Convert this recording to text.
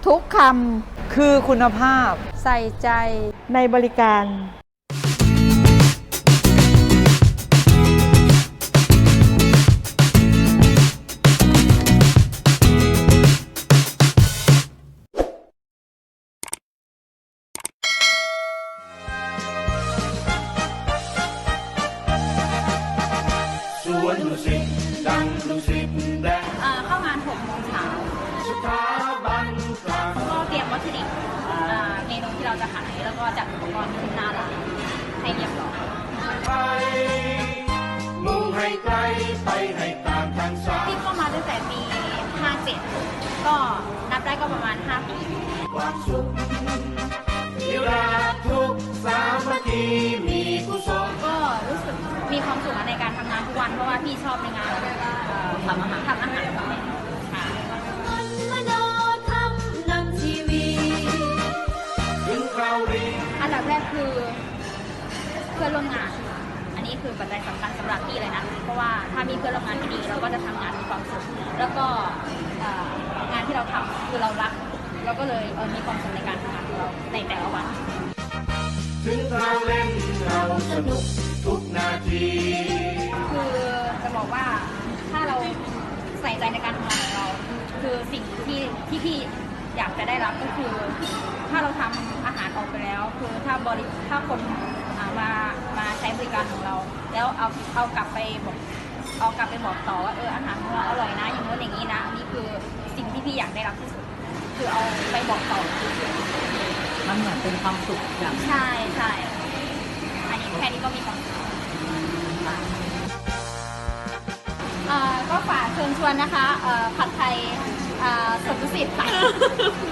ทุกคคือคุณภาพำใส่ใจในบริการสวนดุสิตดังดุสิตแดงเข้างาน6 โมงเช้าสถาบันกลางก็เตรียมวัตถุดิบเมนูที่เราจะขายแล้วก็จัดอุปกรณ์ขึ้นหน้าร้านให้เรียบร้อยไปมุ่งให้ไกลไปให้ตามทางสายที่เข้ามาตั้งแต่ปี 57 ก็นับได้ก็ประมาณ 5 ปีความสุขที่รักทุกสามัคคีมีกุศลก็รู้สึกมีความสุขในการทำงานทุกวันเพราะว่าพี่ชอบในงานทำอาหารค่ะมโนธรรมนำทีวีถึงคราวดีอันดับแรกคือเพื่อนร่วมงาน อันนี้คือปัจจัยสำคัญสำหรับพี่เลยนะ เพราะว่าถ้ามีเพื่อนร่วมงานที่ดีเราก็จะทำงานมีความสุข แล้วก็งานที่เราทำคือเรารัก เราก็เลยมีความสุขในการทำงานของเราในแต่ละวันถึงคราวเล่นเราสนุกทุกนาทีคือจะบอกว่าถ้าเราใส่ใจในการทำงานของเรา คือสิ่งที่พี่อยากจะได้รับก็คือ ถ้าเราทำอาหารออกไปแล้ว คือถ้าคนมาใช้บริการของเรา แล้วเอากลับไปบอกต่อว่าอาหารของเราอร่อยนะอย่างโน้นอย่างนี้นะอันนี้คือสิ่งที่พี่อยากได้รับที่สุด คือเอาไปบอกต่อมันเหมือนเป็นความสุขอย่างใช่ใช่อันนี้แค่นี้ก็มีความสุขก็ฝากเชิญชวนนะคะผัดไทยสวนดุสิตค่ะ